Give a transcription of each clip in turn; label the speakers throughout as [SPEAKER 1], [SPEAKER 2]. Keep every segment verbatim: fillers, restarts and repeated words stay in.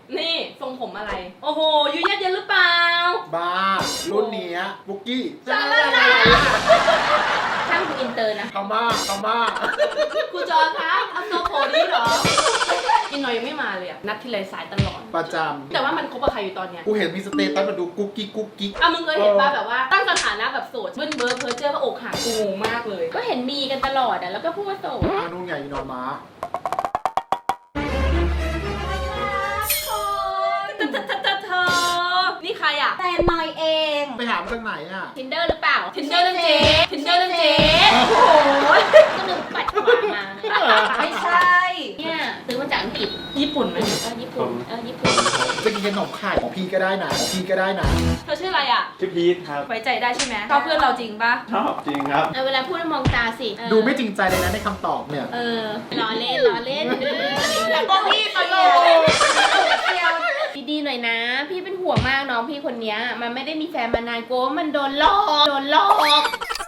[SPEAKER 1] นี่ทรงผมอะไรโอ้โหยูยัดเย็นหรือเปล่า
[SPEAKER 2] บ้ารุ่นนี้บุกกี้
[SPEAKER 1] จ้าช่างคุณอินเตอร์นะ
[SPEAKER 2] พม่าพม่า
[SPEAKER 1] ครูจอครับเอาตัวโผล่นี้เหรออินหน่อยยังไม่มาเลยอะนัดที่ไรสายตลอด
[SPEAKER 2] ประจ
[SPEAKER 1] ำแต่ว่ามันคบกับใครอยู่ตอนเนี้ย
[SPEAKER 2] กูเห็นมีสเตตัสมาดูกุ๊กกิ๊กกุ๊กกิ๊ก
[SPEAKER 1] อ่ะมึงเคยเห็นป่ะแบบว่าตั้งสถานะแบบโสดเบิ้ลเบอร์เพอร์เจอร์ว่าอกหักกูงงมากเลยก็เห็นมีกันตลอดอะแล้วก็พูดว่าโสด
[SPEAKER 2] อ่ะนู่นไงนอนม้า
[SPEAKER 1] นี่ใครอ่ะ
[SPEAKER 3] แฟนหน่อยเอง
[SPEAKER 2] ไปหามาจากไหนอ่ะ
[SPEAKER 1] Tinder หรือเปล่า Tinder นั่นเจ๊ Tinder นั่นเจ๊โอ้โหก็นึกปัดขวามา
[SPEAKER 3] ไม่ใช่
[SPEAKER 1] เนี่ยซื้อมาจากอังกฤษญี่ปุ่นไหมเออญี่ปุ่นเออญี่ปุ่น
[SPEAKER 2] จะกินขนมไข่ของพี่ก็ได้นะของพี่ก็ได้นะ
[SPEAKER 1] เธอชื่ออะไรอ่ะ
[SPEAKER 4] ชื่อพีทครับ
[SPEAKER 1] ไว้ใจได้ใช่ไหมชอบเพื่อนเราจริงปะ
[SPEAKER 4] ชอบจริงครับ
[SPEAKER 1] เวลาพูดมองตาสิ
[SPEAKER 2] ดูไม่จริงใจเลยนะในคำตอบเนี่ย
[SPEAKER 1] เออล้อเล่นล้อเล่นแล้ว
[SPEAKER 3] ก็พี่ตลก
[SPEAKER 1] ดีๆหน่อยนะพี่เป็นห่วงมากน้องพี่คนนี้มันไม่ได้มีแฟนมานานโก้มันโดนหลอกโดนหลอก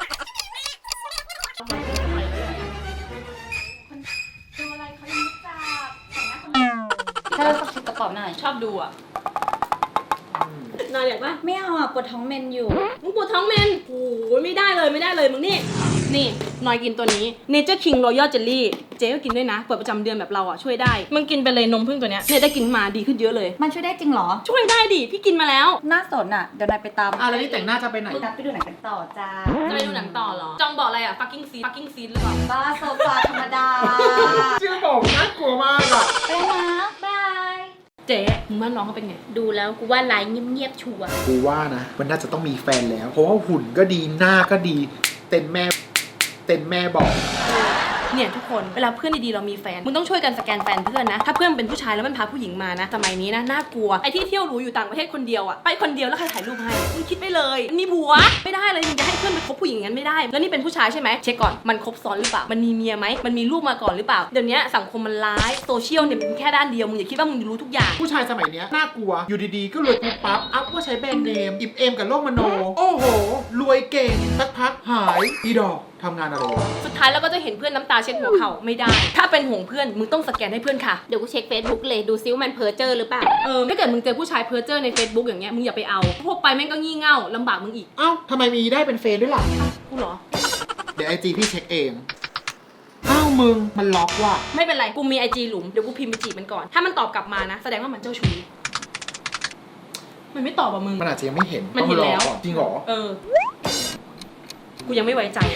[SPEAKER 3] ถ้าเราสักกระเป๋าหน่อย
[SPEAKER 1] ชอบดูอ่ะนอนอยากปะ
[SPEAKER 3] ไม่เอาอ่ะปวดท้องเมนอยู่
[SPEAKER 1] มึงปวดท้องเมนโอ้ยไม่ได้เลยไม่ได้เลยมึงนี่นี่นอยกินตัวนี้ Nature King Royal Jelly เจ๊ก็กินด้วยนะเปิดประจำเดือนแบบเราอ่ะช่วยได้มึงกินไปเลยนมพึ่งตัวเนี้ยเนี่ยได้กินมาดีขึ้นเยอะเลย
[SPEAKER 3] มันช่วยได้จริงเหรอ
[SPEAKER 1] ช่วยได้ดิพี่กินมาแล้ว
[SPEAKER 3] น่าสนอ่ะเดี๋ยวนายไปตาม
[SPEAKER 2] อ่ะแล้วนี่แต่งหน้าจะไปไหน
[SPEAKER 3] นัดไปดูหนังกันต่อจ้า
[SPEAKER 1] จะไปดูหนังต่อเหรอจองบอกอะไรอ่ะ fucking scene fucking scene หรือเปล่า
[SPEAKER 3] บ้าโซฟาธรรมดา
[SPEAKER 2] ชื่อบอกน่ากลัวมากอ่ะ
[SPEAKER 3] ไปนะบาย
[SPEAKER 1] เจ๊มึงว่าน้องเขาเป็นไงดูแล้วกูว่าไลน์เงียบๆชัวร์
[SPEAKER 2] กูว่านะมันน่าจะต้องมีแฟนแล้วเพราะว่าหุ่นก็ดีหน้าก็ดีเต็มแม่เต็มแม่บอก
[SPEAKER 1] เนี่ยทุกคนเวลาเพื่อนดีๆเรามีแฟนมึงต้องช่วยกันสแกนแฟนเพื่อนนะถ้าเพื่อนเป็นผู้ชายแล้วมันพาผู้หญิงมานะสมัยนี้นะน่ากลัวไอ้ที่เที่ยวหรูอยู่ต่างประเทศคนเดียวอะไปคนเดียวแล้วใครถ่ายรูปให้มึงคิดไปเลยมีผัวไม่ได้เลยมึงจะให้เพื่อนไปคบผู้หญิงงั้นไม่ได้แล้วนี่เป็นผู้ชายใช่ไหมเช็คก่อนมันคบซ้อนหรือเปล่ามันมีเมียไหมมันมีลูกมาก่อนหรือเปล่าเดี๋ยวนี้สังคมมันร้ายโซเชียลเนี่ยมันแค่ด้านเดียวมึงอย่าคิดว่ามึงรู้ทุกอย่าง
[SPEAKER 2] ผู้ชายสมัยนี้น่ากลัวอยู่ดีๆก็รวยปุ๊บปั๊บอัพว่าใช้แบรนด์เนมอิบเอมกับโลกมโนโอ้โหรวยเก่งสักพักหายอีดอกทำงานอะไรวะ
[SPEAKER 1] สุดท้ายเราก็จะเห็นเพื่อนน้ำตาเช็ดหัวเข่าไม่ได้ถ้าเป็นห่วงเพื่อนมึงต้องสแกนให้เพื่อนค่ะเดี๋ยวกูเช็ค Facebook เลยดูซิว่ามันเพ้อเจ้อหรือเปล่าเออถ้าเกิดมึงเจอผู้ชายเพ้อเจ้อใน Facebook อย่างเงี้ยมึงอย่าไปเอาพวกไปแม่งก็งี่เง่าลำบากมึงอีก
[SPEAKER 2] เอ้าทำไมมีได้เป็นเฟซด้วยล่ะ
[SPEAKER 1] กูเหรอ
[SPEAKER 2] เดี๋ยวไอจีพี่เช็คเองอ้าวมึงมันล็อกว่ะ
[SPEAKER 1] ไม่เป็นไรกูมีไอจีหลุมเดี๋ยวกูพิมพ์ไปจีบมันก่อนถ้ามันตอบกลับมานะแสดงว่ามันเจ้าชู้มันไม่ตอบอ่ะมึง
[SPEAKER 2] มันอาจจะยังไม่เห็น
[SPEAKER 1] มันเห็นแล้ว
[SPEAKER 2] จริงเหรอ
[SPEAKER 1] เออกูยังไม่ไว้ใจ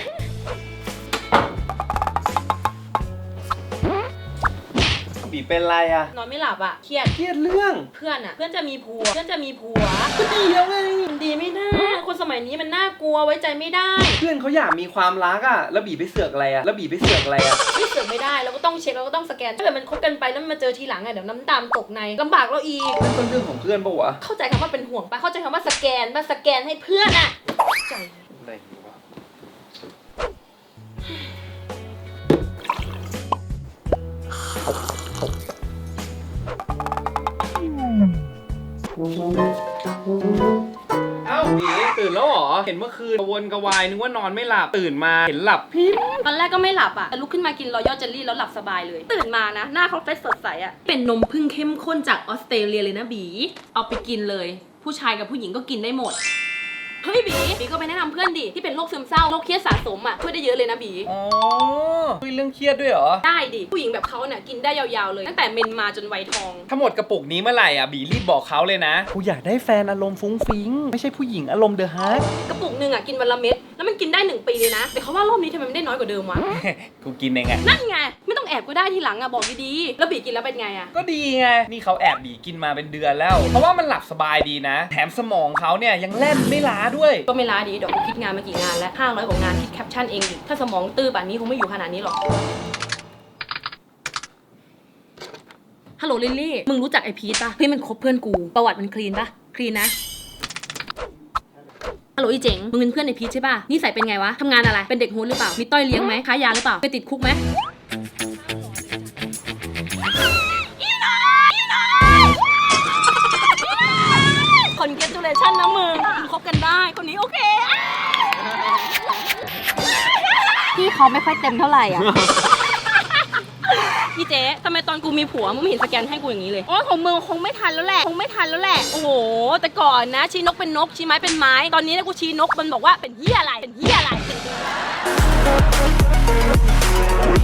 [SPEAKER 4] บีเป็นไรอะ
[SPEAKER 1] นอนไม่หลับอะเครียด
[SPEAKER 4] เครียดเรื่อง
[SPEAKER 1] เพื่อนอะเพื่อนจะมีผัวเพื่อนจะมีผัวก็ดีแล้วไงมันดีไม่ได้คนสมัยนี้มันน่ากลัวไว้ใจไม่ได้
[SPEAKER 4] เพื่อนเขาอยากมีความรักอะแล้วบีไปเสือกอะไรอะแล้วบีไปเสือกอะไรอะ
[SPEAKER 1] ไม่เสือกไม่ได้เราก็ต้องเช็คเราก็ต้องสแกนถ้าเกิดมันคบกันไปแล้วมาเจอทีหลังอะเดี๋ยวน้ำตาตกในลำบากเราอีก
[SPEAKER 4] นั่นเป็นเรื่องของเพื่อนปะวะ
[SPEAKER 1] เข้าใจคำว่าเป็นห่วงปะเข้าใจคำว่าสแกนมาสแกนให้เพื่อนอะใจอะไรวะ
[SPEAKER 4] เอ้าบีตื่นแล้วเหรอเห็นเมื่อคืนกระวนกระวายนึกว่านอนไม่หลับตื่นมาเห็นหลับพิม
[SPEAKER 1] ตอนแรกก็ไม่หลับอ่ะแต่ลุกขึ้นมากินรอยัลเจลลี่แล้วหลับสบายเลยตื่นมานะหน้าเขาเฟรชสดใสอ่ะเป็นนมผึ้งเข้มข้นจากออสเตรเลียเลยนะบีเอาไปกินเลยผู้ชายกับผู้หญิงก็กินได้หมดเฮ้ยบีบีก็ไปแนะนำเพื่อนดิที่เป็นโรคซึมเศร้าโรคเครียดสะสมอ่ะช่วยได้เยอะเลยนะบี
[SPEAKER 4] อ๋อคุยเรื่องเครียดด้วยเหรอ
[SPEAKER 1] ได้ดิผู้หญิงแบบเขาเนี่ยกินได้ยาวๆเลยตั้งแต่เมนมาจนวัยทอง
[SPEAKER 4] ถ้าหมดกระปุกนี้เมื่อไหร่อ่ะบีรีบบอกเขาเลยนะกูอยากได้แฟนอารมณ์ฟุ้งฟิ้งไม่ใช่ผู้หญิงอารมณ์เดอะฮาร์ด
[SPEAKER 1] กระปุกหนึ่งอ่ะกินวันละเม็ดแล้วมันกินได้หนึ่งปีเลยนะแต่เขาว่ารอบนี้ทำไมมันได้น้อยกว่าเดิมวะ
[SPEAKER 4] กูกินเองไง
[SPEAKER 1] นั่นไงไม่ต้องแอบก็ได้ทีหลังอ่ะบอกดีๆแล้วบีกินแล้วเป็นไงอ่ะ
[SPEAKER 4] ก็ดีไงนี่เขาแอบบีกินมาเป็นเดือนแล้วเพราะว่ามันหลับสบายดีนะแถมสมองเขาเนี่ยยังแล่นไม่ล้าด้วย
[SPEAKER 1] ก็ไม่ล้าดีดอกคิดงานมากี่งานแล้วห้าร้อยกว่างานคิดแคปชั่นเองดิถ้าสมองตื้อแบบนี้คงไม่อยู่ขนาดนี้หรอกฮัลโหลลิลลี่มึงรู้จักไอพีทป่ะเฮ้ยมันคบเพื่อนกูประวัติมันคลีนป่ะคลีนนะฮัลโหลอีเจ๋งมึงเป็นเพื่อนไอพีทใช่ป่ะนิสัยเป็นไงวะทำงานอะไรเป็นเด็กโฮสหรือเปล่ามีต้อยเลี้ยงไหมค้ายาหรือเปล่าไปติดคุกไหมคอนเกรจูเลชั่นนะมึงมึงคบกันได้คนนี้โอเค
[SPEAKER 3] พี่เขาไม่ค่อยเต็มเท่าไหร่อ่ะ
[SPEAKER 1] อีอีเจ๊ทำไมตอนกูมีผัวมึงไม่เห็นสแกนให้กูอย่างนี้เลยโอ้ของมึงคงไม่ทันแล้วแหละคงไม่ทันแล้วแหละโอ้โหแต่ก่อนนะชี้นกเป็นนกชี้ไม้เป็นไม้ตอนนี้นะกูชี้นกมันบอกว่าเป็นเหี้ยอะไรเป็นเหี้ยอะไร